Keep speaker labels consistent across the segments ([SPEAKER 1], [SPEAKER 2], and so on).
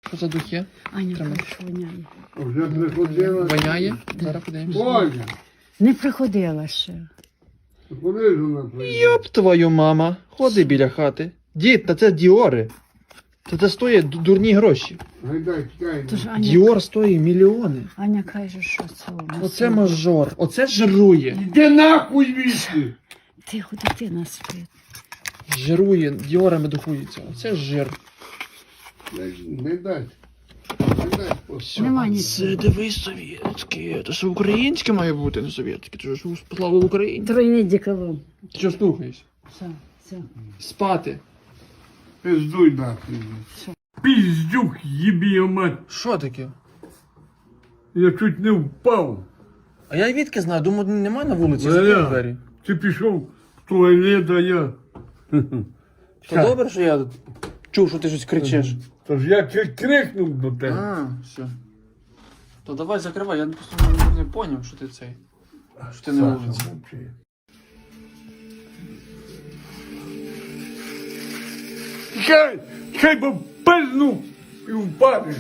[SPEAKER 1] Що за духи?
[SPEAKER 2] Аня,
[SPEAKER 1] Тримай.
[SPEAKER 2] хорошо воняє.
[SPEAKER 3] Вже приходила.
[SPEAKER 1] Воняє? Зараз подивимося.
[SPEAKER 3] Ольга,
[SPEAKER 2] Не приходила ще.
[SPEAKER 3] куди ж вона прийде?
[SPEAKER 1] Йоп твою мама. Ходи біля хати. Дід, та це Діори. Це стоїть дурні гроші.
[SPEAKER 3] Гайдай, чекай.
[SPEAKER 2] Тож Аня,
[SPEAKER 1] Діор стоїть мільйони.
[SPEAKER 2] Аня каже, що це у нас.
[SPEAKER 1] Оце мажор. Оце жирує.
[SPEAKER 3] Іди нахуй звідси!
[SPEAKER 2] Тихо, дитина спить.
[SPEAKER 1] Жирує, діорами духується. Оце жир.
[SPEAKER 3] Гайдай. Гайдай.
[SPEAKER 2] Нема нічого.
[SPEAKER 1] Це дивись совєтське. Це ж українське має бути, не совєтське. Це ж слава Україні.
[SPEAKER 2] Тройний деколон.
[SPEAKER 1] Ти що слухаєш?
[SPEAKER 2] Все.
[SPEAKER 1] Спати.
[SPEAKER 3] Пиздуй нахуй. Пиздюк, єбі його мать.
[SPEAKER 1] Що таке?
[SPEAKER 3] Я чуть не впав.
[SPEAKER 1] А я відки знаю, думаю, немає на вулиці,
[SPEAKER 3] Ну,
[SPEAKER 1] закрив
[SPEAKER 3] я.
[SPEAKER 1] двері.
[SPEAKER 3] Ти пішов в туалет, а я...
[SPEAKER 1] То добре, що я чув, що ти щось кричиш.
[SPEAKER 3] Тож я чуть крикнув до тебе.
[SPEAKER 1] А, все. То давай закривай, я просто не поняв, що ти цей. Що ти на вулиці.
[SPEAKER 3] мовчи. Чай бо пизнув і впадеш.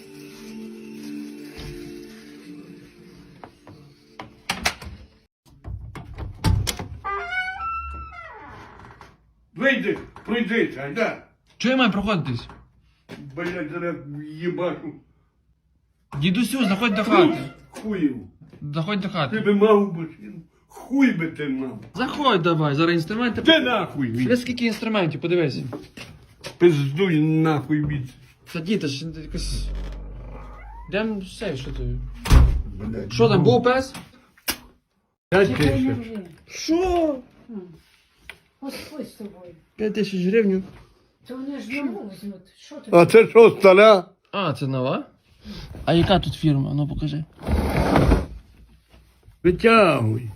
[SPEAKER 3] Вийди, пройди, айда.
[SPEAKER 1] Чого я маю проходитись?
[SPEAKER 3] Блядь, зараз їбашу.
[SPEAKER 1] Дідусю, заходь до хати.
[SPEAKER 3] Хуїв.
[SPEAKER 1] Заходь до
[SPEAKER 3] Ти
[SPEAKER 1] хати.
[SPEAKER 3] би мав машину. Хуй би ти мав.
[SPEAKER 1] Заходь давай, зараз інструменти.
[SPEAKER 3] Де нахуй
[SPEAKER 1] Дивись,
[SPEAKER 3] від?
[SPEAKER 1] скільки інструментів, подивись.
[SPEAKER 3] Пиздуй нахуй від.
[SPEAKER 1] Та діти ж якось. Йдем все, що ти.
[SPEAKER 3] Блядь.
[SPEAKER 1] Що там, був пес?
[SPEAKER 3] П'ять
[SPEAKER 2] Чекай, не
[SPEAKER 3] тисяч.
[SPEAKER 2] рви.
[SPEAKER 1] Що?
[SPEAKER 2] Господь з тобою.
[SPEAKER 1] 5000 гривень.
[SPEAKER 2] То вони ж нову візьмуть. Що ти?
[SPEAKER 3] А це що, стара?
[SPEAKER 1] А, це нова? А яка тут фірма? Ну покажи.
[SPEAKER 3] Витягуй.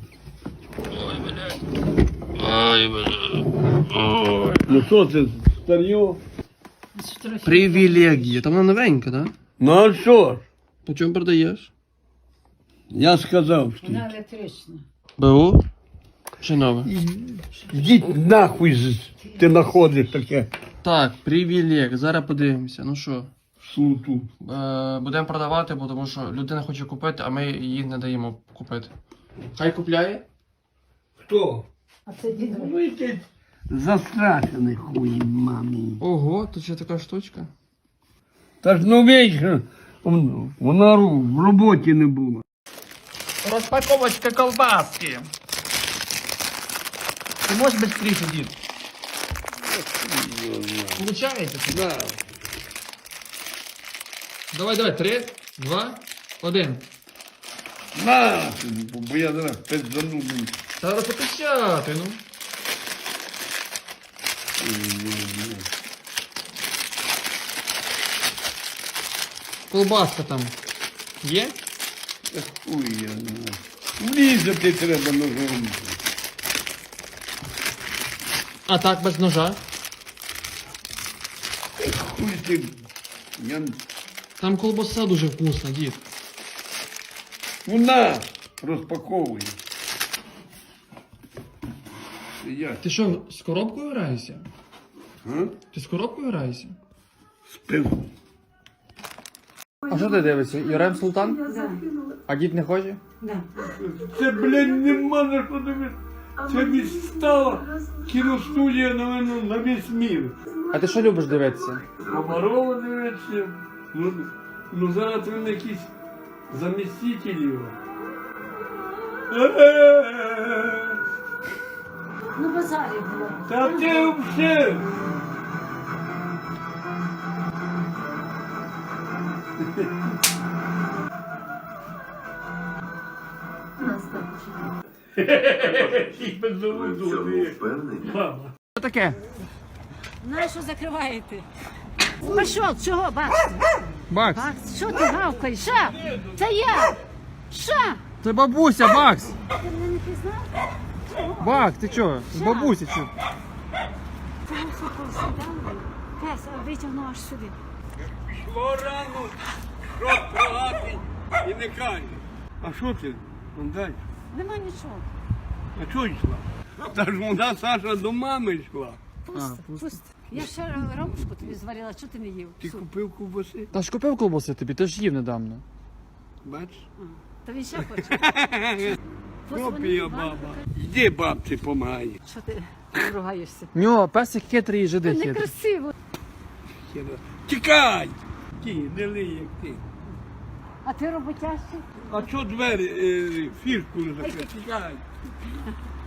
[SPEAKER 1] Ой, бля.
[SPEAKER 3] Ну що це, старьо?
[SPEAKER 1] Привілегія. Там вона новенька, так? Да?
[SPEAKER 3] Ну а що ж?
[SPEAKER 1] По чому продаєш?
[SPEAKER 3] Я сказав, що.
[SPEAKER 2] Вона електрична.
[SPEAKER 1] БУ? Чи нове?
[SPEAKER 3] Йдіть нахуй, ти знаходиш таке
[SPEAKER 1] Так, привілег. Зараз подивимося. Ну що?
[SPEAKER 3] суту.
[SPEAKER 1] Будемо продавати, бо тому що людина хоче купити, а ми їй не даємо купити. Хай купляє?
[SPEAKER 3] Хто?
[SPEAKER 2] А це дідо.
[SPEAKER 3] Ну якийсь застрашений хуй мамі.
[SPEAKER 1] Ого, тут ще така штучка.
[SPEAKER 3] Та ж ну вічно, вона в роботі не була.
[SPEAKER 1] Розпаковочка колбаски. Ти можеш швидше, дід? Получається?
[SPEAKER 3] Да.
[SPEAKER 1] Давай, 3, 2, 1.
[SPEAKER 3] На, бо я зараз пиздану.
[SPEAKER 1] Треба запечати, ну. Колбаска там є?
[SPEAKER 3] Та хуй я знаю. Влізати треба ножом.
[SPEAKER 1] А так, без ножа.
[SPEAKER 3] Хуй ти. Я...
[SPEAKER 1] Там колбаса дуже вкусна, дід.
[SPEAKER 3] Ну на, розпаковуй. Я
[SPEAKER 1] Ти що, з коробкою граєшся?
[SPEAKER 3] а?
[SPEAKER 1] Ти з коробкою граєшся?
[SPEAKER 3] Спив.
[SPEAKER 1] А що ти дивишся? Юрем Султан?
[SPEAKER 2] Да.
[SPEAKER 1] А дід не хоче?
[SPEAKER 2] Да.
[SPEAKER 3] Це, блядь, нема на що дивитися. Це відстала кіностудія, напевно, на весь мір.
[SPEAKER 1] А ти що любиш дивитися?
[SPEAKER 3] Комарова дивиться. Ну зараз він якийсь заміститель його.
[SPEAKER 2] Ну, базарі було.
[SPEAKER 3] Та ти все. Мама.
[SPEAKER 1] Що таке?
[SPEAKER 2] На що закриваєте? Пішов, чого, Бакс?
[SPEAKER 1] Бакс.
[SPEAKER 2] Бакс, що ти гавкаєш? Ша? Це я! Ша!
[SPEAKER 1] Це бабуся, Бакс.
[SPEAKER 2] Ти мене не пізнав?
[SPEAKER 1] Бакс, ти чого? З бабусі чого?
[SPEAKER 2] Чого супав сюди? Пес, витягнув аж сюди.
[SPEAKER 3] Пішло рано, рот прогати і не каже. А що ти? Ну, дай.
[SPEAKER 2] Нема нічого.
[SPEAKER 3] А чого йшла? Та ж вона, Саша, до мами йшла.
[SPEAKER 2] Пусто, пусто. Я ще ромушку тобі зварила, що ти не їв?
[SPEAKER 3] Ти
[SPEAKER 2] Суп.
[SPEAKER 3] купив ковбаси?
[SPEAKER 4] Та ж купив колбаси тобі, ти ж їв недавно.
[SPEAKER 3] Бачиш?
[SPEAKER 2] Та він ще хоче.
[SPEAKER 3] Копія
[SPEAKER 2] Івану,
[SPEAKER 3] баба. Йди, бабці, помагай.
[SPEAKER 2] Що ти ругаєшся?
[SPEAKER 4] Нього, песик хитрий і жиди хитрий.
[SPEAKER 2] Некрасиво.
[SPEAKER 3] Тікай! Ті, не лий, як ти.
[SPEAKER 2] А ти роботящий?
[SPEAKER 3] А що двері, фішку не закрив? Тікай.